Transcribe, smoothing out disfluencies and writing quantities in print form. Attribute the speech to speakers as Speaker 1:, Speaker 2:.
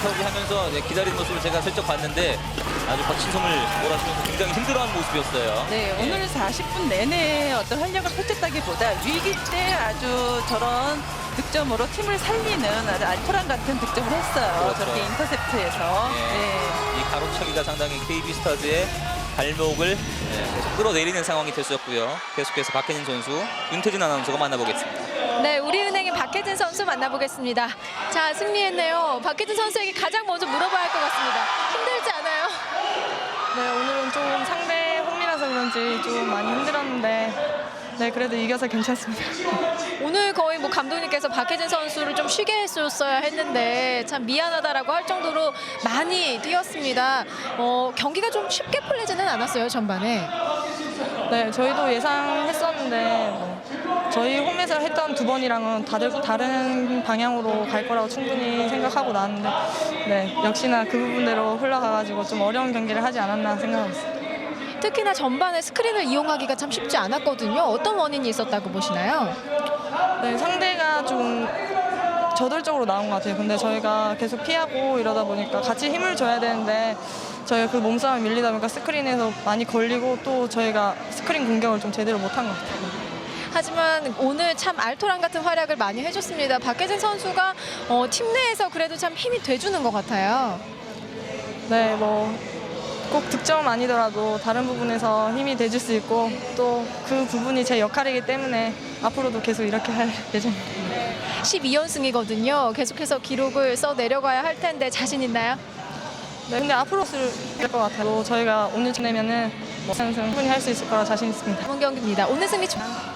Speaker 1: 하면서 기다리는 모습을 제가 슬쩍 봤는데 아주 박신성을 몰아주면서 굉장히 힘들어하는 모습이었어요.
Speaker 2: 네, 오늘 40분 내내 어떤 활약을 펼쳤다기보다 위기 때 아주 저런 득점으로 팀을 살리는 아주 알토란 같은 득점을 했어요.
Speaker 1: 그렇죠.
Speaker 2: 저렇게 인터셉트에서.
Speaker 1: 이 가로차기가 상당히 KB스타즈의 발목을 계속 끌어내리는 상황이 됐었고요. 계속해서 박혜진 선수, 윤태진 아나운서가 만나보겠습니다.
Speaker 3: 네, 우리은행의 박혜진 선수 만나보겠습니다. 자, 승리했네요. 박혜진 선수에게 가장 먼저 물어봐야 할 것 같습니다. 힘들지 않아요?
Speaker 4: 네, 오늘은 좀 상대 홈이라서 그런지 좀 많이 힘들었는데 네, 그래도 이겨서 괜찮습니다.
Speaker 3: 오늘 거의 뭐 감독님께서 박혜진 선수를 좀 쉬게 했었어야 했는데 참 미안하다라고 할 정도로 많이 뛰었습니다. 경기가 좀 쉽게 풀리지는 않았어요, 전반에.
Speaker 4: 네, 저희도 예상했었는데 저희 홈에서 했던 두 번이랑은 다른 방향으로 갈 거라고 충분히 생각하고 나왔는데 네, 역시나 그 부분대로 흘러가가지고 좀 어려운 경기를 하지 않았나 생각하고 있습니다.
Speaker 3: 특히나 전반에 스크린을 이용하기가 참 쉽지 않았거든요. 어떤 원인이 있었다고 보시나요?
Speaker 4: 네, 상대가 좀 저돌적으로 나온 것 같아요. 근데 저희가 계속 피하고 이러다 보니까 같이 힘을 줘야 되는데 저희가 그 몸싸움에 밀리다 보니까 스크린에서 많이 걸리고 또 저희가 스크린 공격을 좀 제대로 못한 것 같아요.
Speaker 3: 하지만 오늘 참 알토란 같은 활약을 많이 해줬습니다. 박혜진 선수가 팀 내에서 그래도 참 힘이 돼주는 것 같아요.
Speaker 4: 네, 꼭 득점 아니더라도 다른 부분에서 힘이 돼줄 수 있고 또 그 부분이 제 역할이기 때문에 앞으로도 계속 이렇게 할 예정입니다.
Speaker 3: 12연승이거든요. 계속해서 기록을 써 내려가야 할 텐데 자신 있나요?
Speaker 4: 네, 근데 앞으로 쓸 것 같아요. 저희가 오늘 내면은 3승 충분히 할 수 있을 거라 자신 있습니다.
Speaker 3: 이번 경기입니다. 오늘 승리 축